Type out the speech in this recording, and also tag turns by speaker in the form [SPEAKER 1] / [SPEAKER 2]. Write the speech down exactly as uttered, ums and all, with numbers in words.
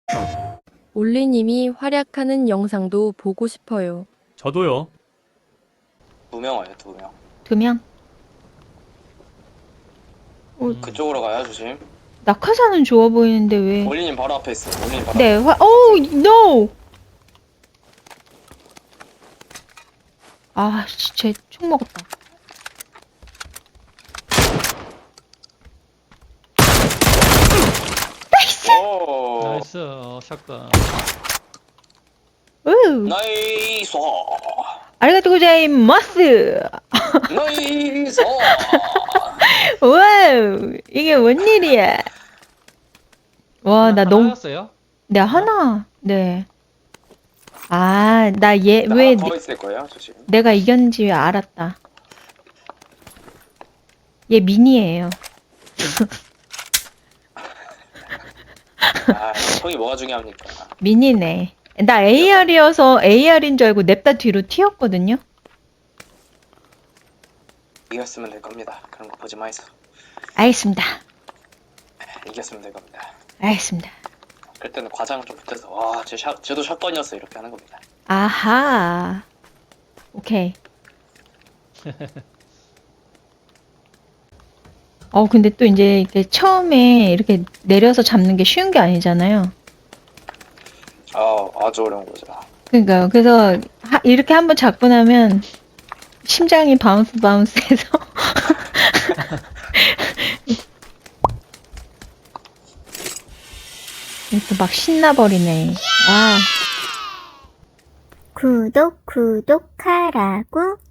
[SPEAKER 1] 올리님이 활약하는 영상도 보고 싶어요.
[SPEAKER 2] 저도요.
[SPEAKER 3] 두 명 와요, 두 명.
[SPEAKER 4] 두 명?
[SPEAKER 2] 음.
[SPEAKER 3] 그쪽으로 가요, 조심.
[SPEAKER 4] 낙하산은 좋아 보이는데 왜?
[SPEAKER 3] 올리님 바로 앞에 있어. 올리님 바로
[SPEAKER 4] 네,
[SPEAKER 3] 앞에.
[SPEAKER 4] 화, 오, no! 아, 씨, 쟤총 먹었다. 나이스!
[SPEAKER 3] 오,
[SPEAKER 2] 나이스. 어, 샷건.
[SPEAKER 4] 우!
[SPEAKER 3] 나이스.
[SPEAKER 4] 아리가또 고자이마스!
[SPEAKER 3] 나이스.
[SPEAKER 4] 와우! 이게 뭔 일이야? 와, 나 너무,
[SPEAKER 2] 하나였어요?
[SPEAKER 4] 네, 하나, 네. 아, 나 얘, 왜,
[SPEAKER 3] 하나 더
[SPEAKER 4] 내-
[SPEAKER 3] 있을 거예요, 조심.
[SPEAKER 4] 내가 이겼는지 알았다. 얘 미니예요.
[SPEAKER 3] 아, 형이 뭐가 중요합니까?
[SPEAKER 4] 미니네. 나 에이알이어서 에이알인 줄 알고 냅다 뒤로 튀었거든요?
[SPEAKER 3] 이겼으면 될 겁니다. 그런 거 보지 마이소.
[SPEAKER 4] 알겠습니다.
[SPEAKER 3] 이겼으면 될 겁니다.
[SPEAKER 4] 알겠습니다.
[SPEAKER 3] 그때는 과장 좀 붙여서 와, 제 샷, 쟤도 샷건이었어 이렇게 하는 겁니다.
[SPEAKER 4] 아하. 오케이. 어, 근데 또 이제 이렇게 처음에 이렇게 내려서 잡는 게 쉬운 게 아니잖아요.
[SPEAKER 3] 아, 아주 어려운 거죠.
[SPEAKER 4] 그러니까 그래서 하- 이렇게 한번 잡고 나면 심장이 바운스 바운스해서 또 막 신나버리네. 아.
[SPEAKER 5] 구독 구독하라고